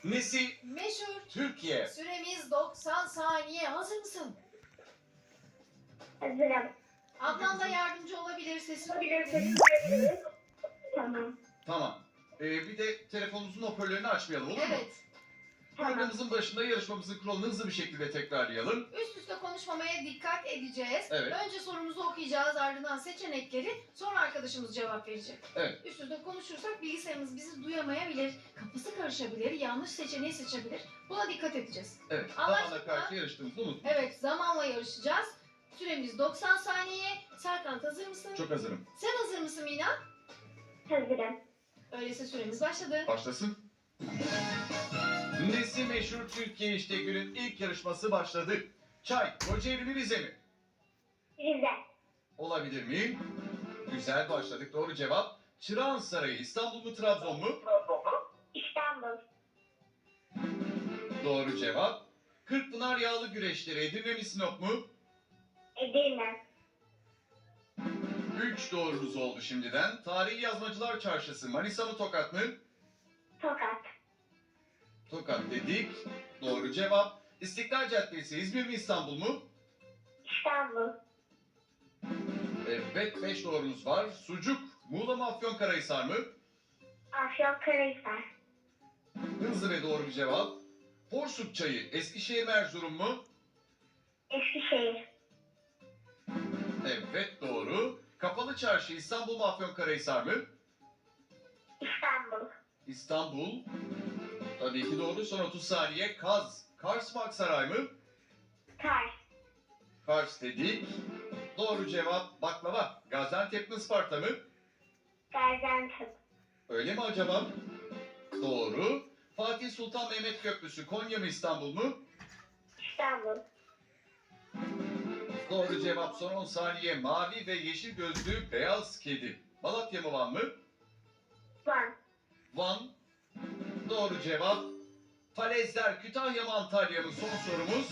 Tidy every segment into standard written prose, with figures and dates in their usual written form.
Nesi? Meşhur. Türkiye. Süremiz 90 saniye. Hazır mısın? Hazırım. Ablam da yardımcı olabilir. Sesini Tamam. Tamam. Bir de telefonumuzun hoparlörünü açmayalım, olur mu? Evet. Tamam. Programımızın başında yarışmamızın kuralını hızlı bir şekilde tekrarlayalım. Üst üste konuşmamaya dikkat edeceğiz. Evet. Önce sorumuzu okuyacağız, ardından seçenekleri, sonra arkadaşımız cevap verecek. Evet. Üst üste konuşursak bilgisayarımız bizi duyamayabilir, kafası karışabilir, yanlış seçeneği seçebilir. Buna dikkat edeceğiz. Evet. Anlaştık Zamana karşı yarıştığımızı unutmayın. Evet, zamanla yarışacağız. Süremiz 90 saniye. Serkan hazır mısın? Çok hazırım. Sen hazır mısın Mina? Hazırım. Öyleyse süremiz başladı. Başlasın. Nesi meşhur Türkiye, işte günün ilk yarışması başladı. Çay, Kocaeli mi Rize mi? Rize. Olabilir miyim? Güzel başladık. Doğru cevap. Çırağan Sarayı İstanbul mu Trabzon mu? İstanbul. Doğru cevap. Kırkpınar Yağlı Güreşleri Edirne mi Sinop mu? Edirne. 3 doğrunuz oldu şimdiden. Tarihi Yazmacılar Çarşısı Manisa mı Tokat mı? Tokat. Tokat dedik. Doğru cevap. İstiklal Caddesi İzmir mi İstanbul mu? İstanbul. Evet, 5 doğrunuz var. Sucuk Muğla mı Afyonkarahisar mı? Afyonkarahisar. Hızlı ve doğru bir cevap. Porsuk Çayı Eskişehir mi Erzurum mu? Eskişehir. Evet, doğru. Kapalı Çarşı İstanbul mu Afyonkarahisar mı? İstanbul. İstanbul. Tabii ki doğru. Son 30 saniye. Kaz. Kars mı Aksaray mı? Kars. Kars dedik. Doğru cevap baklava. Gaziantep mi Isparta mı? Gaziantep. Öyle mi acaba? Doğru. Fatih Sultan Mehmet Köprüsü Konya mı İstanbul mu? İstanbul. Doğru cevap son 10 saniye. Mavi ve yeşil gözlü beyaz kedi. Malatya mı Van mı? Van. Van. Doğru cevap. Falezler Kütahya mı Antalya mı? Son sorumuz.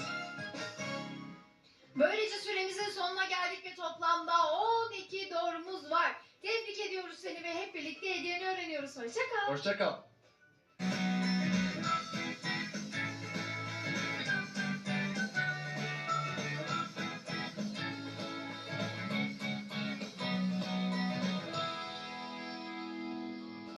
Böylece süremizin sonuna geldik ve toplamda 12 doğrumuz var. Tebrik ediyoruz seni ve hep birlikte hediyeni öğreniyoruz. Hoşça kal. Hoşça kal.